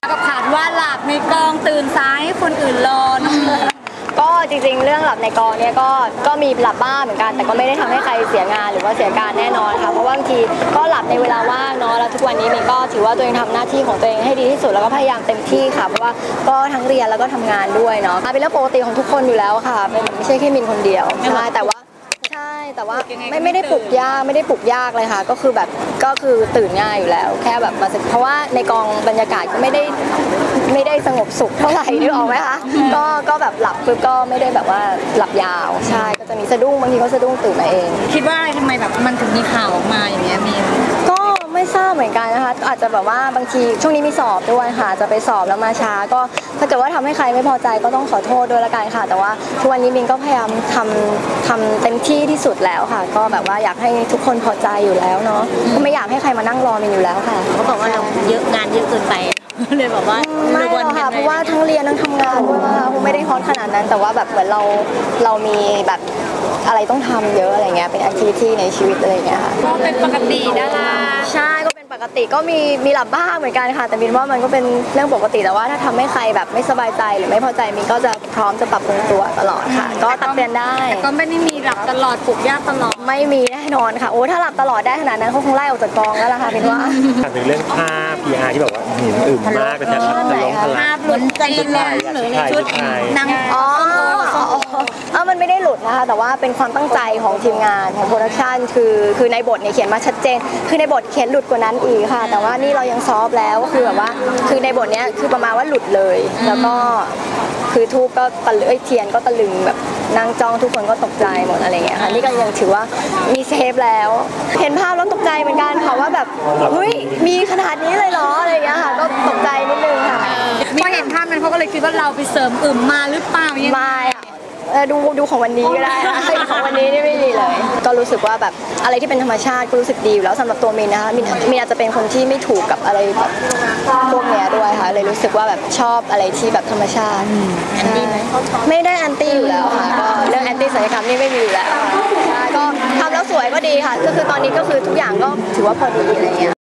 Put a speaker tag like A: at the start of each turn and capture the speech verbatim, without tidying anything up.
A: กับขาดว่าหลับในกองตื่นสายให้คนอื่นรอ
B: ก็จริงๆเรื่องหลับในกองเนี่ยก็ก็มีหลับบ้างเหมือนกันแต่ก็ไม่ได้ทำให้ใครเสียงานหรือว่าเสียการแน่นอนค่ะเพราะว่าบางทีก็หลับในเวลาว่างเนาะแล้วทุกวันนี้มินก็ถือว่าตัวเองทำหน้าที่ของตัวเองให้ดีที่สุดแล้วก็พยายามเต็มที่ค่ะเพราะว่าก็ทั้งเรียนแล้วก็ทำงานด้วยเนาะเป็นเรื่องปกติของทุกคนอยู่แล้วค่ะไม่ใช่แค่มินคนเดียวใช่แต่ว่าใช่แต่ว่าไม่ไม่ได้ปลุกยากไม่ได้ปลุกยากเลยค่ะก็คือแบบก็คือตื่นง่ายอยู่แล้วแค่แบบมาเพราะว่าในกองบรรยากาศก็ไม่ได้ไม่ได้สงบสุขเท่าไหร่นึกออกไหมคะก็ก็แบบหลับปุ๊บก็ไม่ได้แบบว่าหลับยาวใช่ก็จะมีสะดุ้งบางทีก็สะดุ้งตื่นมาเอง
A: คิดว่าอะไรทำไมแบบมันถึงมีข่าวออกมาอย่างเงี้ยมี
B: ก็ไม่ทราบเหมือนกันนะคะอาจจะแบบว่าบางทีช่วงนี้มีสอบด้วยค่ะจะไปสอบแล้วมาช้าก็ถ้าเกิดว่าทำให้ใครไม่พอใจก็ต้องขอโทษด้วยละกันค่ะแต่ว่าทุกวันนี้มินก็พยายามทำทำเต็มที่ที่สุดแล้วค่ะก็แบบว่าอยากให้ทุกคนพอใจอยู่แล้วเนาะก็ไม่อยากให้ใครมานั่งรอมินอยู่แล้วค่ะ
A: เขาบอกว่าเราเยอะงานเยอะเกินไปเลยบอกว่า
B: ไม่หรอกค่ะเพราะว่าทั้งเรียนทั้งทำงานด้วยนะคะคงไม่ได้ฮอตขนาดนั้นแต่ว่าแบบเหมือนเราเรามีแบบอะไรต้องทำเยอะอะไรเงี้ยเป็นแอคทิวิตี้ในชีวิตอะไรเงี้ยค่ะ
A: ก็เป็นปกติดารา
B: ใช่ก็เป็นปกติก็มีมีหลับบ้างเหมือนกันค่ะแต่มินว่ามันก็เป็นเรื่องปกติแต่ว่าถ้าทำให้ใครแบบไม่สบายใจหรือไม่พอใจมินก็จะพร้อมจะปรับปรุงตัวตลอดค่ะก็ตักเตือนได้
A: แต่ก็ไม่ได้มีหลับตลอดปลุกยากตลอด
B: ไม่มีแน่นอนค่ะโอ้ถ้าหลับตลอดได้ขนาดนั้นเขาคงไล่ออกจากกองแล้วล่ะค่ะมินว่า
C: ถามถึงเรื่องภาพ พี อาร์ ที่แบบว่าเห็นอึมมากเป็นแบบทะลงทะลาย
A: หลุดจีนหรือในชุดนาง
B: อ๋อเออมันไม่ได้หลุดนะคะแต่ว่าเป็นความตั้งใจของทีมงานของโปรดักชันคือคือในบทเนี่ยเขียนมาชัดเจนคือในบทเขียนหลุดกว่านั้นอีกค่ะแต่ว่านี่เรายังซอฟแล้วคือแบบว่าคือในบทเนี้ยคือประมาณว่าหลุดเลยแล้วก็คือทูบก็ตะลึงเทียนก็ตะลึงแบบนางจ้องทุกคนก็ตกใจหมดอะไรเงี้ยค่ะนี่ก็ยังถือว่ามีเซฟแล้วเห็นภาพแล้วตกใจเหมือนกันค่ะว่าแบบเฮ้ยมีขนาดนี้เลยเหรออะไรเงี้ยค่ะก็ตกใจนิดนึงค่ะ
A: พอเห็นภาพนั้นเขาก็เลยคิดว่าเราไปเสริมอึมมาหรือเปล่ายัง
B: ไม่ดูดูของวันนี้ก็ได้นะของวันนี้นี่ไม่มีเลยก็รู้สึกว่าแบบอะไรที่เป็นธรรมชาติก็รู้สึกดีอยู่แล้วสำหรับตัวมินนะคะมินมินอาจจะเป็นคนที่ไม่ถูกกับอะไรแบบพวกเนี้ยด้วยค่ะเลยรู้สึกว่าแบบชอบอะไรที่แบบธรรมชาติ
A: แอนตี้ไหม
B: ไม่ได้แอนตี้อยู่แล้วค่ะก็เรื่องแอนตี้ศัลยกรรมนี่ไม่มีอยู่แล้วใช่ก็ทำแล้วสวยก็ดีค่ะก็คือตอนนี้ก็คือทุกอย่างก็ถือว่าพอดีอะไรเงี้ย